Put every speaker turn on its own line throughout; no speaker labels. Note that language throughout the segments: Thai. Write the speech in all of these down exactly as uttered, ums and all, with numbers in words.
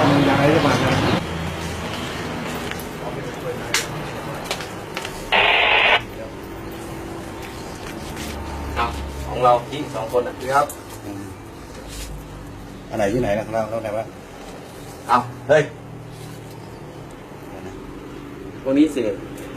อยากให้จะมานะ
เอาของเราที่สองคนอ่ะ
ครับ
อันไหนที่ไหนนะเราเราไหนวะ
เอาเฮ้ยพวกนี้เสีย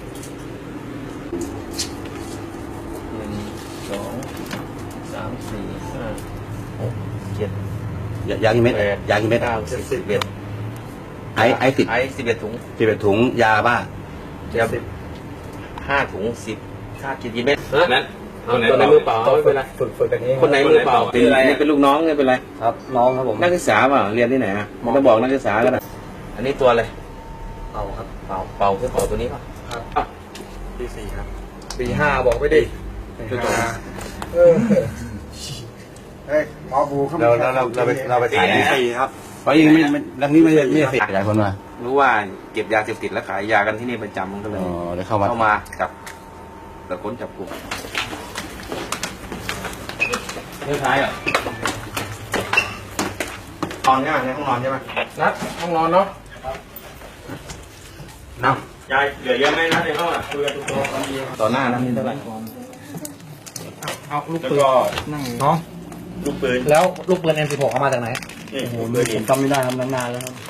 หนึ่งสองสามสี่ห้าหกเจ็ด
ยากี่เม็ด
แปด
ยากี่เม็ด
เก้าสิบสิบเอ็ด
ไอไอสิบ
ไอสิบเอ็ดถุง
สิบเอ็ดถุงยาบ้า
เดี๋ยวห้าถุงสิบค่ากี่กี่เม็ด
นั้น
ตัวไหนมือเปล่าไม่เป็นไร
ฝึกฝึกกันนี้
คนไหนมือเปล่าเป็นอะไรนี่เป็นลูกน้องไม่เป็นไร
ครับน้องครับผม
นักศึกษาเปล่าเรียนที่ไหนอ่ะมันต้องบอกนักศึกษาก็ได้อันนี้ตัวอะไร
เอาครับ
เป่าเป่าคือเป่าตัวนี้ป่ะ
ครับปีสี่ครับปีห้าบอกไม่ดิปีห้าเออเฮ้ยหมอบูเขา
เราเราเราเราไปเราไปถ่าย
ปี
นี่
สี่ครับ
เพราะยังไม่เรื่องนี้ไม่ใช่ไม่ใช่เสพหลายคนมา
รู้ว่าเก็บยาเสพติดแล้วขายยากันที่นี่ประจำมันก็เลย
อ๋อเดี๋ยวเข้ามา
เข้ามากับตะค้นจับกลุ่มเรื่องท้ายอ่ะนอนใช่ไหมในห้องนอนใช่ไหม
นัดห้องนอนเนาะ
น้
ยายเหลือเยอะไหมนะในห้องอ่ะคุยกันทุกคน
ำต่อหน้านั้นนี่เท่าไหร่
เอาลูก
แล้ว
ปืน
ก็
นั่งเนาะ
ลูกปืน
แล้วลูกปืน เอ็ม สิบหก เอามาจากไหน
นี่
โอ้โห
ปืน
ผ
นี่
มจำไม่ได้ครับนานๆแล้วครับ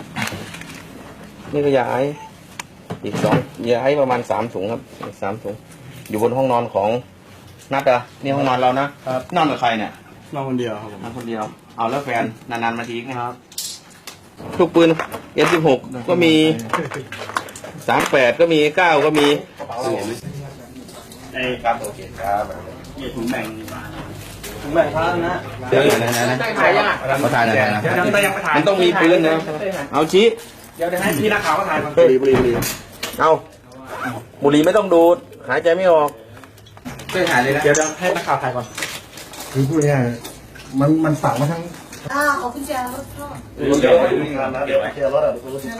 นี่ก็ยาไออีกสองยาไอประมาณสามถุงครับอีกสามถุงอยู่บนห้องนอนของนัดเหรอนี่ห้องนอนเรานะครับ นอนกับใครเนี่ย
นอนคนเดียวครับผม
นอนคนเดียวเอาแล้วแฟนนานๆมาทีนะครับลูกปืน เอ็ม สิบหก ก็มีสามแปดก็มีเก้าก็มี
ไอ้
ครับโอเคครับ
เนี่ยถุงแบ่งมา
ถึงแบบพระนะ
เดี๋ยวนะนะนะ
ได้ถ่ายยังอ่ะ
เขาถ่ายหน่อยนะ
เดี๋ยวเดี๋ยวยังไปถ่าย
มันต้องมีปืนนะเอาชี้
เดี๋ยวเดี๋ยวให้พี่นักข่าวมาถ่ายก่อน
บุหรี่บุหรี่บุหรี่เอาบุหรี่ไม่ต้องดูดหายใจไม่ออกช่วยหายเลยนะ
เดี๋ยวเดี๋ยวให้นักข่าวถ่ายก่อนคือพูดง่ายๆมันมันสั่งมาทั้ง
อ่าขอบคุณแจรถพ่อ
เดี๋ยวเดี๋ยว
เจอรถอ่ะ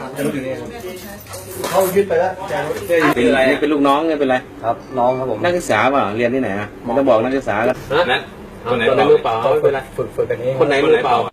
เขายึดไปแล้วแจรถ
เป็นอะไรนี่เป็นลูกน้องไม่เป็นไร
ครับน้องครับผม
นักศึกษาเปล่าเรียนที่ไหนอ่ะมันต้องบอกนักศึกษาก็
นั้น
ตัวไหนมือเปล่าไม่เป็นไร
ฝึกฝึกกันนี้
คนไหนมือเปล่า